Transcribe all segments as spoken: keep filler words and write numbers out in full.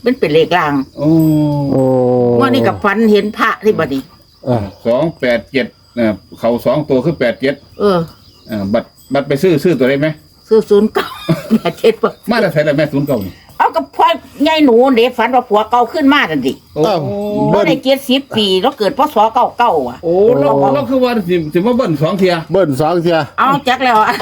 เป็นเป็นเลขลางโอ้โอ้ว่านี่กับฟันเห็นพระที่บัดนี้เออสองแปดเจ็ดนะเขาสองตัวคือแปดเจ็ดเอออ่าบัตรบัตรไปซื้อซื้อตัวได้ไหมซื้อศูนย์เก้าแปดเจ็ดบ่มาแล้วใส่แล้วแม่ศูนย์เก่านี่เอากับพ่อใหญ่หนูเด็ฝันว่าผัวเก่าขึ้นมาทันทีโอ้บ่ได้เจ็ดสิบปีแล้วเกิดพศเก้าเก้าอ่ะโอ้เราเราคือว่าสิสิมาเบิ้ลสองเทียเบิ้ลสองเทียเอาจักแล้วอะ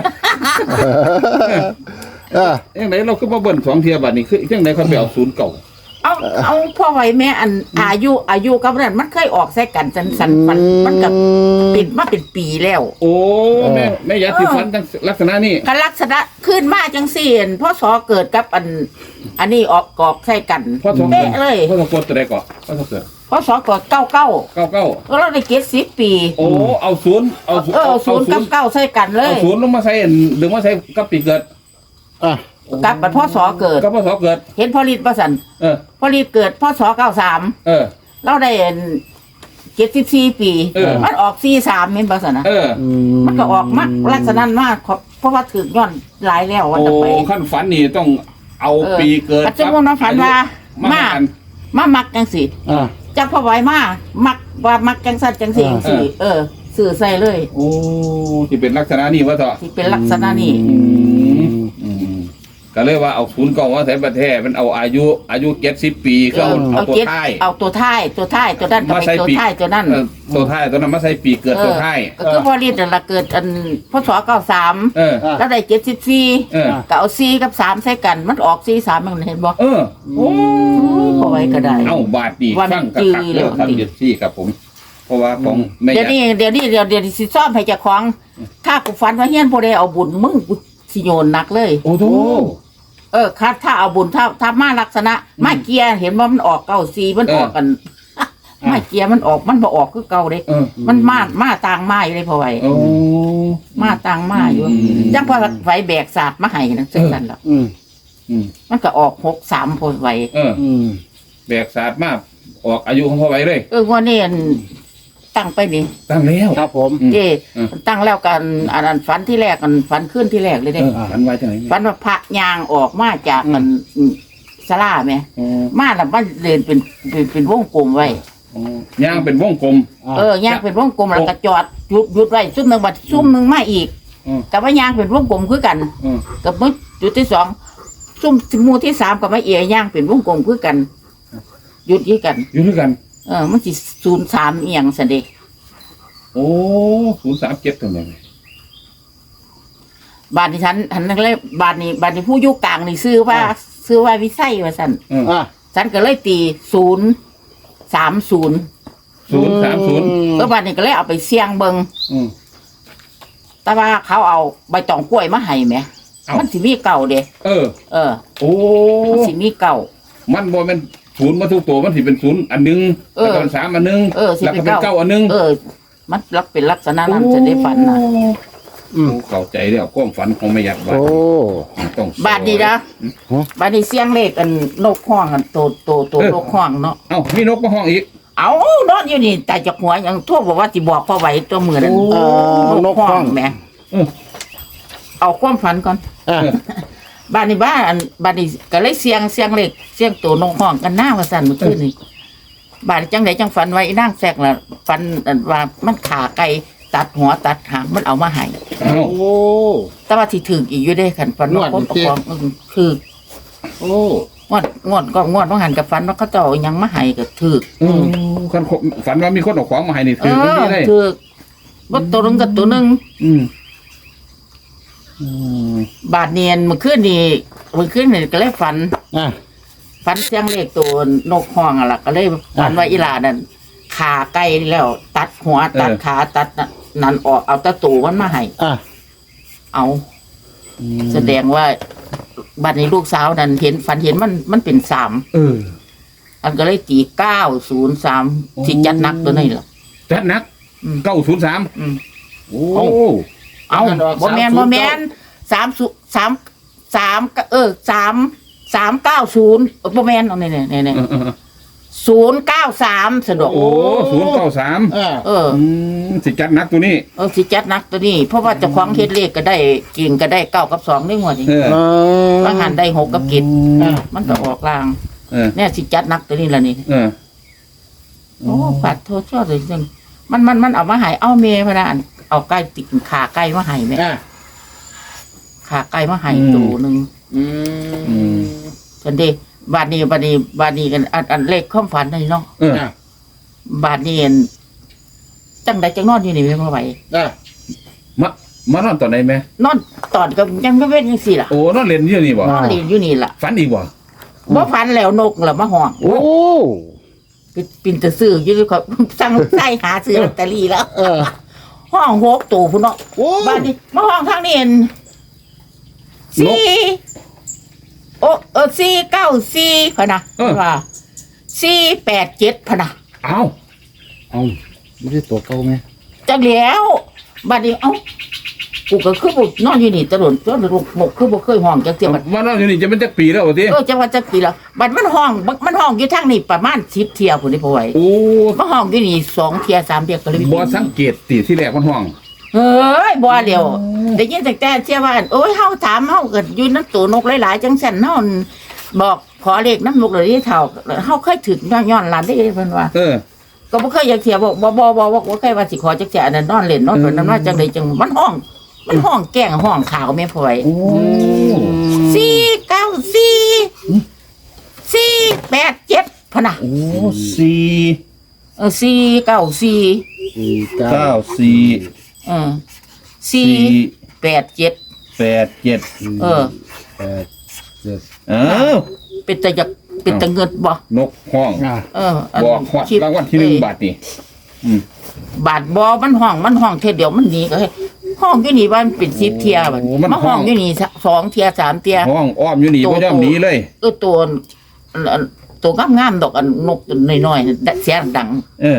เออยังไงเราคือมาเบิ้ลสองเทียบัตรนี่คือยังไงเขาไปเอาศูนย์เก่าเอาเอาพ่อไว้แม่อันอายุอายุกับนั้นมันเคยออกใส่กันสันสันฟันมันกับปิดมาเป็นปีแล้วโอ้แม่แม่ยาสีฟันลักษณะนี้กันลักษณะขึ้นมาจังสี่พศเกิดกับอัน อันนี้ออกกอกใส่กันพ่อสองเป๊ะเลยพ่อสองคนตัวใดก่อนพ่อสองเกิดพศเกิดเก้าเก้าเก้าเก้าก็เราได้เจ็ดสิบปีโอ้เอาศูนย์เอาเออเอาศูนย์กับเก้าใส่กันเลเอายศูนย์ลงมาใส่หรือมาใส่กับปีเกิดอ่ะกับบัดพศเกิดกับพ่อสองเกิดเห็นพอลิตประสันเออพอลิตเกิดพศเก้าสามเออเราได้เจ็ดสิบสี่ปีเออมันออกสี่สามเห็นประสันนะเอออืมันก็ออกมากลักษณะมากเพราะว่าถึกย้อนหลายแล้ววันโอ้จะไปขั้นฝันนี่ต้องเอาเออปีเกิดปัจจุบันเราฝันว่ามามากันมามักจังสิอ่ะจักพ่อไว้มามักว่ามักจังสันจังสิจังสิเออสื่อใส่เลยโอ้ที่เป็นลักษณะนี้วะเถอะที่เป็นลักษณะนี้อืมอืมก็เลยว่าเอาศูนย์เก่าว่าใส่ประเทศมันเอาอายุอายุเจ็ดสิบปีก็เอาเอาตัวเจ็ดท้ายเอาตัวท้ายตัวท้ายตัวนั้นก็มาเป็นใส่ตัวปีท้ายตัวนั้นเออตัวท้ายตัวนั้นมาใส่ปีเกิดตัวท้ายก็คือพอรีดนั่นละเกิดอันพศเก้าสามเออแล้วได้เจ็ดสิบสี่เออก็เอาสี่กับสามใส่กัน มันออกสี่สามมันเห็นบ่เออโอ้พอไว้ก็ได้เอาบาทดีว่ามันฟังกระจืทักดเรื่องเลยทำเด็ดซี่ครับผม เพราะว่าของแม่เดี๋ยวนี้ยาเดี๋ยวนี้เดี๋ยวเดี๋ยวสิซ่อมให้เจ้าของ ถ้ากูฟันว่าเฮียนบ่ได้เอาบุญมึงกูสิโยนหนักเลยโอ้โหเออถ้าถ้าเอาบุญถ้าถ้ามาลักษณะมาเกียร์เห็นว่ามันออกเก้าสี่มันออกกันมาเกียร์มันออกมันบ่ออกคือเก่าเด้เออมันมามาต่างมาอยู่เลยพอไว้โอ้มาต่างมาอยู่อืมจังพอไฟแบกศาสตร์มาให้นะจังซั่นล่ะอืมอืมมันก็ออกหกสามพอไว้เอออืมแบกศาสตร์มากออกอายุของพ่อไว้เลยเออว่านี่อันตั้งไปนี่ตั้งแล้วครับผมอืมเจ้อืมตั้งแล้วกันอันนั้นฝันที่แรกกันฝันขึ้นที่แรกเลยเอเด้อฝันไว้ที่ไหนเนี่ยฝันว่าพระยางออกมาจากมันศาลาแม่อ๋อมาแล้วมันเดินเป็นเป็นเป็นวงกลมไว้อ๋อย่างเป็นวงกลมเออย่างเป็นวงกลมแล้วก็จอดหยุดหยุดไว้ซุ่มหนึ่งบัดซุ่มหนึ่งมาอีกอืมกับว่ายางเป็นวงกลมคือกันอืมกับมื้อจุดที่สองซุ่มหมู่ที่สามกับมาเอียย่างเป็นวงกลมคือกันหยุดยี่กันอยู่ด้วยกันเออมันสิศูนย์สามเอียงสันเดโอ้ศูนย์สามเจ็ดตรงไหนบาทนี้ฉันฉันนั่นเลยบาทนี้บาทนี้ผู้อยุกลางนี่ซื้อว่าซื้อว่าวิไสว่าสันอืมอ่ะฉันก็เลยตีศูนย์สามศูนย์ศูนย์สามศูนย์เออบาทนี้ก็เลยเอาไปเสี่ยงเบิงอืมแต่ว่าเขาเอาใบตองกล้วยมาให้ไหมเอ้ามัมันสิมีเก่าเด้เออเออโอ้มันสิมีเก่ามันบ่แม่นศูนย์มาทุกตัวมันสิเป็นศูนย์อันหนึงเออแล้วก็เป็นสามอันหนึงเออสิแล้วเป็ก็นเป็นเก้าเก้าอันหนึงเออ มันรักเป็นลักษณะนั้นจะได้ฝันนะอืมโอ้เข้าใจแล้วความฝันของแม่ยักษ์ว่าโอ้ต้องบาทนี้นะฮะบาทนี้เสียงเลขอันนกห้องอันโตโตโตนกห้องเนาะเอ้ามีนกมาห้องอีกเอานอนอยู่นี่แต่จากหัวยังทั่วบอกว่าสิบอกพ่อไหวตัวมือนั่นเออนกห้องแหม่เออเอาความฝันก่อนอ่ะบ้านนี้บ้านบ้านนี้ก็เลยเสียงเสียงเล็กเสียงตัวนกห้องกันหน้าว่าสั่นเมื่อคืนนี่บ้านนี้จังไหนจังฝันไว้นั่งแซกล่ะฝันอันว่ามันขาไก่ตัดหัวตัดหางมันเอามาให้เอ้าโอ้แต่ว่าที่ถึงอีกอยู่ได้ขันฝันว่าคนงวดเอานี้ของอืมคือโอ้งวดงวดก็งวดว่าหันกับฝันว่าเขาเจ้าเอาหยังมาให้ก็ถึกอืมคนฝันว่ามีคนเอาของมาให้นี่เอถือกันอนี่เลยถึกว่าตัวหนึงกับตัวหนึงอืมอืมบาดเนียนเมื่อคืนนี่เมื่อคืนนี่ก็เลยฝันอ่ะฝันเสียงเลขตัวนกห้องอ่ะล่ะก็เลยฝันว่าอีหลานั่นขาไก่แล้ว ตัดหัวตัดขาตัดนั่นออกเอาตะตูมันมาให้อ่ะเอา แสดงว่าบัดนี้ลูกสาวนั่นเห็นฝันเห็นมันมันเป็นสามเอออันก็เลยตีเก้าศูนย์สามโอ้ที่จัดหนักตัวนี้ล่ะจัดหนักอืมเก้าศูนย์สามอืมโอ้เอาบ่แมนบ่แมนสามสุสามสามเออสามสามเก้าศูนย์บ่แมนเอาเนี่ยเนี่ยเนี่ยเออเออศูนย์เก้าสามสะดวกโอ้ศูนย์เก้าสามอ่ะเอออืมสิจัดหนักตัวนี้เออสิจัดหนักตัวนี้ เพราะว่าเจ้าของเฮ็ดเลขก็ได้เก่งก็ได้เก้ากับสองได้หมดนี่เออเออว่าหันได้หกกับเจ็ดอ่ะมันก็ออกลางเออเนี่ยสิจัดหนักตัวนี้ละนี่เออโอ้ปัดโทษชอบเลยจังมันมันมันเอามาใหายเอาเมย์พะนะอันเอาไก่ติดขาไก่มาใหายไหมอ่าขาไก่มาใหายตัวหนึ่งอืมจันเดบาดนี้บาดนี้บาดนี้กันอันอันเลขความฝันนี่เนาะเอออ่าบาดนี้อันจังใดจังนอนอยู่นี่ไม่มาไหวอ่ามามานอนตอนไหนแม่นอนตอนก็ยังไม่เป็นยังสี่ล่ะโอ้นอนเล่นอยู่นี่บ่นอนเรียนอยู่นี่ล่ะฝันอีกบ่บ่ฝันแล้วนกแล้วมาห้องโอ้ปิดปินตะซื้ออยู่เขาสั่งใส่หาซื้อลอตเตอรี่แล้วเออห้องหกตัวพุ่นเนาะโอ้บ้านนี้มาห้องทางนี้เห็นสี่โอ้เออสี่เก้าสี่พะนะว่าสี่แปดเจ็ดพะนะเอ้าเอาไม่ใช่ตัวเก่าไหมจังแล้วบ้านนี้เอ้ากูก็คือบ่นอนอยู่นี่ตลอดจนลูกหมกคือบ่เคยห้องจักเที่ยบัดมานอนอยู่นี่จะเป็นจักปีแล้วบ่ติเออจังว่าจักปีแล้วบัดมันห้องบัดมันห้องอยู่ทางนี้ประมาณสิบเที่ยพุ่นนี่พอไหวโอ้มาห้องอยู่นี่สองเที่ยสามเที่ยก็เลยบ่สังเกตติที่แรกมันห้องเฮ้ยบ่เดียวได้ยินแต่แต่เชื่อว่าโอ้ยเฮาถามเฮาเกิดอยู่น้ำตัวนกหลายๆจังซั่นเฮาบอกขอเลขน้ำนกเลยที่เท่าเฮาเคยถึงย้อนหลานได้เพิ่นว่าเออก็บ่เคยอยากเที่ยวบอกบ่บ่บ่บ่บ่เคยว่าสิขอจักแจอันนั้นนอนเล่นนอนเพิ่นนั้นว่าจังได๋จังมันห้อง มันห้องแกล้งห้องขาวแม่พ่อยโอ้สี่เก้าสี่สี่แปดเจ็ดพะนะโอ้สี่เออสี่เก้าสี่สี่เก้าเก้าสี่เออสี่แปดเจ็ดแปดเจ็ดเออแปดเจ็ดเอ้าเป็นตะอยากเป็นตะเงิดบ่นกห้องอ่าเอออันบอกฮอดคิดรางวัลที่หนึ่งเอ้ยบาทนี่อืมบาทบอมันห้องมันห้องเทเดียวมันหนีก็ให้ห้องอยู่นี่บ้านเป็นสิบเทียบัดมาห้องอยู่นี่สองเทียสามเทียห้องอ้อมอยู่นี่โตบ่ยอมหนีเลยเออตัวอันอันตัวงามงามๆดอกอันนกตัวน้อยๆดัเสียงดังเออ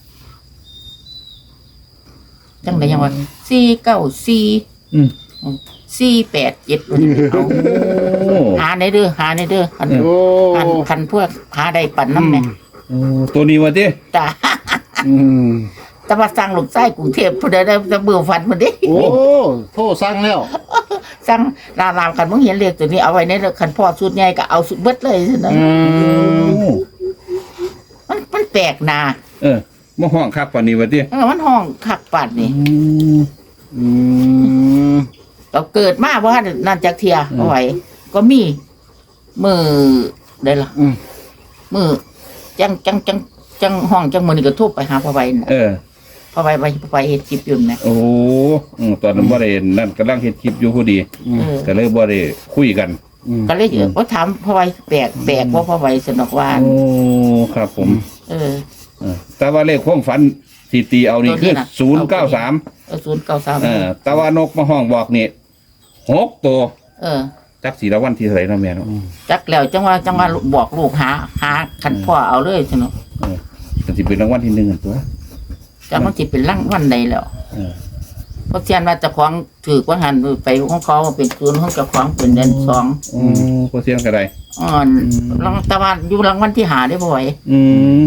จังไดยังว่าสี่เก้าสี่อืมสี่แปดเจ็ดเอาโอ้หาในเด้อหาในเด้อคันโอ้คันคันพวกหาได้ปั่นน้ำเนี่ยโอ้ตัวนี้ว่าติจ้าอืมแต่ว่าสร้างลูกไส้กรุงเทพผู้ใดได้จะเบื่อฟันมันดิโอ้โทษสร้างแล้วสั่งรามรามกันมึงเห็นเลขตัวนี้เอาไว้ในคันพ่อสุดใหญ่ก็เอาสุดเบิดเลยสินะอืมมันมันแปลกนาเออมาห้องคักปานนี้ว่าติเออมันห้องคักปัดนี่อืมเราเกิดมาว่านั่นจากเทียเอาไว้ก็มีมือได้ละอืมมือจังจังจังจังห้องจังมือนี่ก็ทุบไปหาพ่อไว้น่ะเออพ่อไว้ไปพ่อไว้เฮ็ดจิบอยุ่นนะโอ้อืมตอนนั้นบ่ได้นั่นกำลังเฮ็ดคลิปอยู่พอดีเออก็เลยบ่ได้คุยกันอืมก็เลยเออว่าถามพ่อไว้แปลกแปลกว่าพ่อไว้สนอกว่าโอ้ครับผมเออเออแต่ว่าเลขความฝันที่ตีเอานี่ตัวนี้คือน่ะศูนย์เก้าสามเออศูนย์เก้าสามเออแต่ว่านกมาห้องบอกนี่หกตัวเออจักสีละวันที่เท่าไหร่เนาะแม่เนาะจักแล้วจังว่าจังว่าบอกลูกหาหาคันพ่อเอาเลยสนอกเออก็สิเป็นรางวัลที่หนึ่งอันตัวจังมันสิเป็นร่างวันใดแล้วเออเพราะเทียนว่าเจะของถือว่าหันไปของเขาเป็นคืนของเจ้าของเป็นเดือนสองโอ้ก็เสียงก็ได้อ่อนรางตะวันอยู่รางวัลที่หาได้บ่อยอืม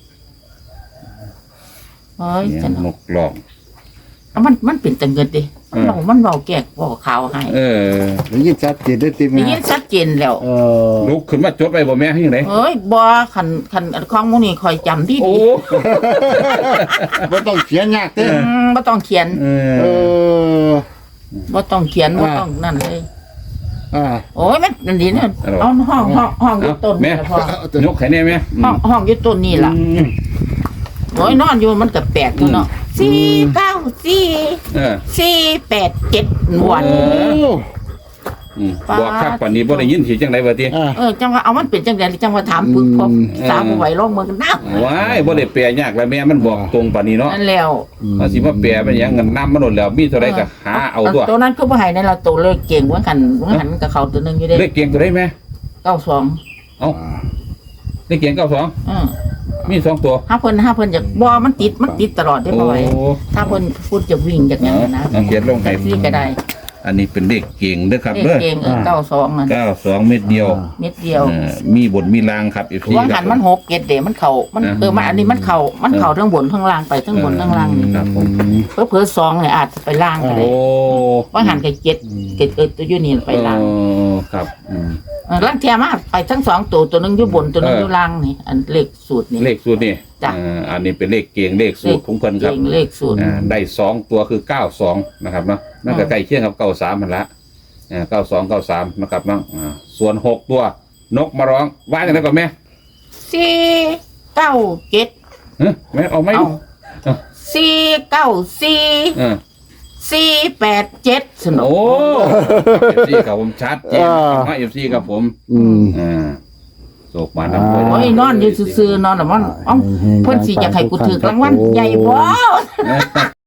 เฮ้ยเนี่ยจังนกหลอกมันมันเป็นตังเงินดิอืมเรามันเบาแก่เบาขาวให้เออได้ยินชัดเจนได้ติมได้ยินชัดเจนแล้วเออลุกขึ้นมาจดไปบ่แม่ให้ยังไงเฮ้ยบ่คันคันของหมูนี่คอยจำดีโอ้ดีไม่ต้องเขียนยากเต้อืมบ่ต้องเขียนเอเอออบ่ต้องเขียนบ่อ่าต้องนั่นเลยอ่าโอ้ยมันนั่นดีนะเอาห้องห้องห้องอยู่เอาต้นแม่นี่ล่ะพ่อยกไข่แน่แม่อืมห้องห้องอยู่ต้นนี่ล่ะอืมโอ้ยนอนอยู่มันก็แปลกอยู่เนาะสี่เก้าสี่เออสี่แปดเจ็ดวันโอ้อืมบอกคักปานนี้บ่ได้ยินสิจังได๋ว่าติอ่าเออจังว่าเอามันเป็นจังไดจังว่าถามปึ๊กพบอืมสาวบ่ไหวลงมือกันน้ำว้ายบ่ได้แปลยากแล้วแม่มันบอกตรงปานนี้เนาะนั่นแล้วว่าสิมาแปลเป็นหยังเงินนํมันโดนแล้วมีเท่าใดก็หาเอาตัวตัวนั้นก็บ่ให้ในเราตัวเลขเก่งว่าหันว่าหันกับเขาตัวหนึงอยู่เด้เลขเกียงตัวได้แม่เก้าสองเอ้าเลขเกียงเก้าสองอือมีสองตัวถ้าเพิ่นถ้าเพิ่นอยากบ่มันติดมันติดตลอดได้โอ้บ่ไหวถ้าเพิ่นพูดจะวิ่งจากหยังนะเอาเขียนลงให้แท็กซี่ก็ได้อันนี้เป็นเลขเก่งเด้อครับเลขเด้อเก่งเออเก้าสองนั่นเก้าสองเม็ดเดียวนิดเดียวเออมีบทมีรางครับ เอฟซีว่าหันมันหกเกตเดมันเข้ามันเออมันอันนี้มันเข้ามันเข้าทั้งบนทั้งล่างไปทั้งบนทั้งล่างนี่ครับผมเพิ่อๆสองเนี่ยอาจจะไปล่างก็โอ้ได้ว่าหันกับเจ็ดเจ็ดเออตัวอยู่นี่ไปล่างเออครับอืมเอลังเทียมาไปทั้งสองตัวตัวหนึงอยู่บนตัวหนึงอยู่ล่างนี่อันเลขสูตรนี่เลขสูตรนี่จ้ะอ่าอันนี้เป็นเลขเก่งเลขสูตรของเพิ่นครับเก่งเลขสูตรอ่าได้สองตัวคือเก้าสองนะครับเนาะนั่นก็อืมใกล้เคียงกับเก้าสามมันละอ่าเก้าสองเก้าสามนะครับเนาะอ่าส่วนหกตัวนกมาร้องว่าอย่างไรก่อนแม่สี่เก้าเจ็ดเฮ้ยแม่เอาไหม่เอาสี่เก้าสี่เออสี่แปดเจ็ดสนุกโอ้เอฟซีกับผมชัดเจนนะเอฟซีกับผมอืมอ่าโศกมาน้ำเลยโอ้ยนอนอยู่ซื่อๆนอนน่ะมันเอ้าเพิ่นสิอยากให้กูถือรางวัลใหญ่บ่